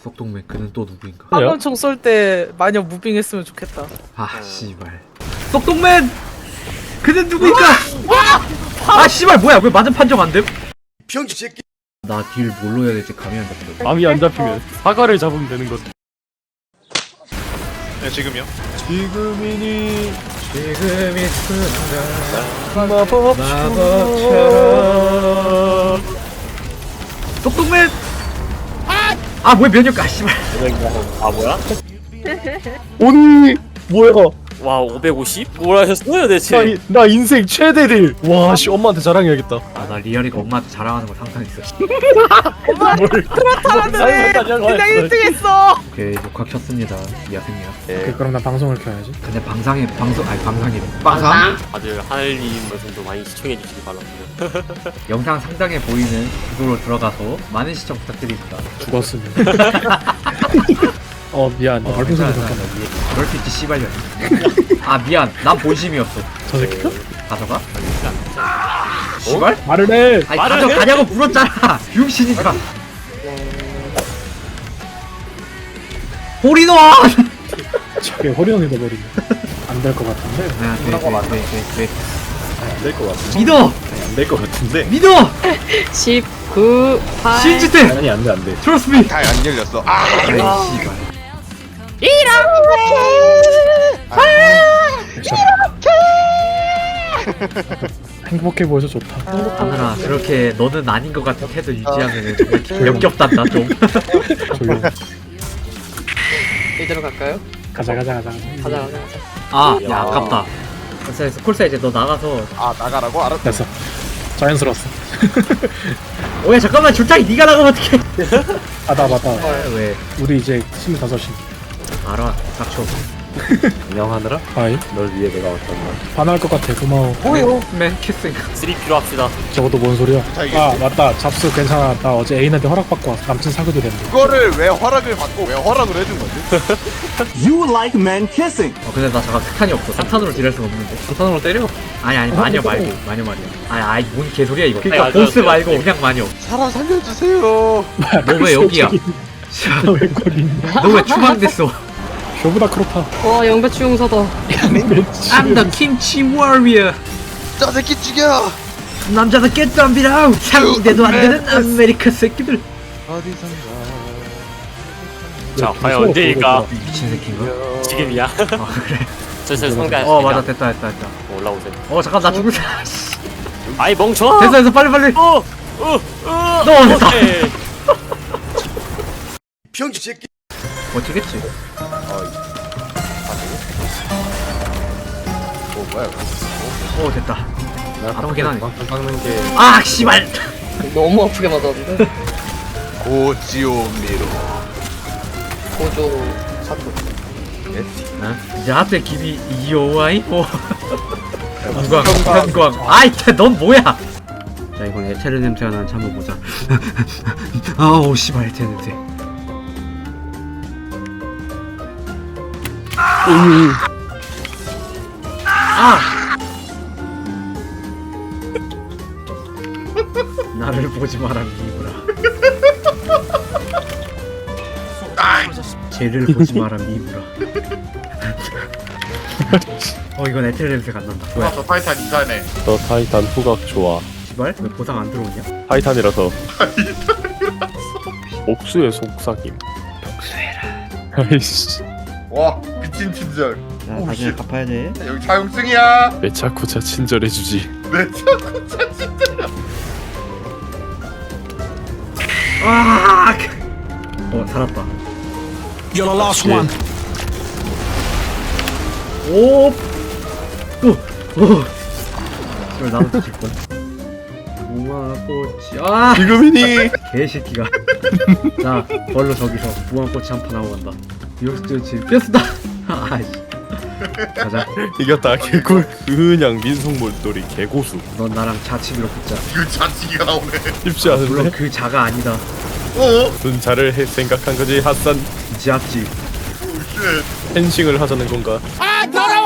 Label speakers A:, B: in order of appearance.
A: 썩동맨 그는 또 누구인가?
B: 화면총 쏠 때 마녀 무빙했으면 좋겠다.
A: 아 씨발 썩동맨 그는 누구인가? 아 씨발 뭐야 왜 맞은 판정 안 됨?
C: 병신 새끼.
A: 나 딜 뭘로 해야 될지 감이 안 잡힌다.
D: 감이 안 잡히면 사과를 잡으면 되는 것.
C: 네 지금요.
D: 지금이니
A: 지금이 순간
D: 마법처럼.
A: 썩동맨 아 뭐야 면역 아 씨발
E: 아 뭐야?
D: 오니 뭐야?
E: 와 550? 뭘 하셨어요 대체?
D: 나 인생 최대 딜. 와 씨 엄마한테 자랑해야겠다.
A: 아 나 리얼이가 엄마한테 자랑하는 거 상상했어.
B: 그냥 1등했어.
A: 오케이 녹화 켰습니다 미아생이야.
D: 네. 그럼 나 방송을 켜야지.
A: 근데 방상이 방상
E: 다들 하늘님 방송도 많이 시청해 주시기 바랍니다.
A: 영상 상단에 보이는 구도로 들어가서 많은 시청 부탁드립니다.
D: 죽었으면. 미안. 발표 소리 잠깐만.
A: 그럴 수 있지 씨발년. 아 미안 난 본심이었어.
D: 저 새끼?
A: 가져가? 씨발?
D: 말을 해.
A: 아니 가져가냐고 물었잖아. 병신이가. 홀인원!
D: 저게 호리원이 돼버리네. 안 될 것 같은데.
A: 네.
D: 될 것 같은데.
A: 믿어!
D: 안 될 것 같은데.
A: 믿어!
F: 19, 8
A: 신지대!
D: 아니 안 돼 안 돼.
A: 트러스트 미!
C: 다 안 열렸어. 아.
A: 아이 씨발.
D: 행복해 보여서 좋다.
A: 하늘아 그렇게 너는 아닌 것 같은 태도 유지하면 정말 역겹단다 좀.
D: 조용.
F: 이대로 갈까요?
D: 가자.
F: 가자.
A: 아 야 아깝다. 그래서 콜사 이제 너 나가서
C: 아 나가라고 알았어.
D: 됐어. 자연스러웠어.
A: 오야 잠깐만 줄타기 네가 나가면 어떡해.
D: 나 맞다.
A: 왜?
D: 우리 이제 25시.
A: 알아 닥쳐.
D: 안녕하느라? 하이. 널 위해 내가 왔단다. 반할 것 같아. 고마워.
A: 맨 키싱.
E: 3P로 합시다.
D: 저것도 뭔 소리야?
C: 자기.
D: 맞다. 잡수 괜찮아. 나 어제 애인한테 허락받고 왔어. 남친 사귀도 된대.
C: 그거를 왜 허락을 받고 왜 허락을 해준 거지?
A: 근데 나 잠깐 석탄이 없어. 석탄으로 딜할 수가 없는데. 석탄으로 때려? 아니 마녀 말고 마녀 말이야. 아니 뭔 개소리야 이거. 그러니까
E: 맞아,
A: 보스
E: 맞아.
A: 말고 그냥 마녀.
C: 사람 살려주세요.
A: 너 왜 여기야?
D: 왜 거기 있냐?
A: 너 왜 추방됐어?
D: 쇼보다 크로타.
F: 와 영배추 용사다.
A: I'm the kimchi warrior.
C: 저 새끼 죽여.
A: 남자도 깼답니다. 상대도 안 되는 아메리카 새끼들.
C: 어디선가.
E: 자 과연 언제일까?
A: 미친 새끼인가?
E: 지금이야.
A: 아 그래.
E: 저 상대.
A: 맞아 됐다.
E: 올라오세요.
A: 잠깐 나 죽을 사.
E: 아이 멍청아.
A: 됐어 빨리. 너 됐다.
E: 오케이.
C: 병신 새끼.
A: 어찌겠지?
C: 뭐야?
A: 됐다. 아프긴 하네.
D: 깎는 게.
A: 아 씨발.
F: 너무 아프게 맞았는데.
C: 고지오미로.
F: 고조 사투.
A: 이제 앞에 길이 이오아이 관광. 아이 넌 뭐야? 자 이건 에테르 냄새가 나는 참을 보자. 아우 씨발 에테르 냄새. 나를 보지 마라 미브라. 쟤를 보지 마라 미브라. 이건 에테르 냄새가 안 난다. 왜?
C: 저 타이탄 이사네.
D: 너 타이탄 후각 좋아.
A: 씨발? 왜 보상 안 들어오냐?
D: 타이탄이라서. 옥수의 속삭임.
A: 복수해라.
D: 아이씨.
C: 와 미친 친절.
A: 야 나중에 갚아야 돼.
C: 여기 차용증이야.
D: 내 차코차 친절해주지.
C: 내 자꾸 차진짜.
A: 아! 살았다.
G: You're the last one.
A: 오! 씨발 나도 뒤질걸. 무화꽃이
D: 지금이니.
A: 개새끼가. 자 벌로 저기서 무화꽃이 한 판 하고 간다. 이렇지 뼈스다. 아이씨. 가자.
D: 이겼다. 개꿀. 그냥 민속몰돌이 개고수.
A: 넌 나랑 자치기로 붙자.
C: 그 자치기가 나오네.
D: 쉽지
A: 물론
D: 않은데.
A: 그 자가 아니다.
D: 무슨 잘을 해 생각한 거지 핫산.
A: 자치.
C: 오 쉣.
D: 펜싱을 하자는 건가?
G: 아, 더러워!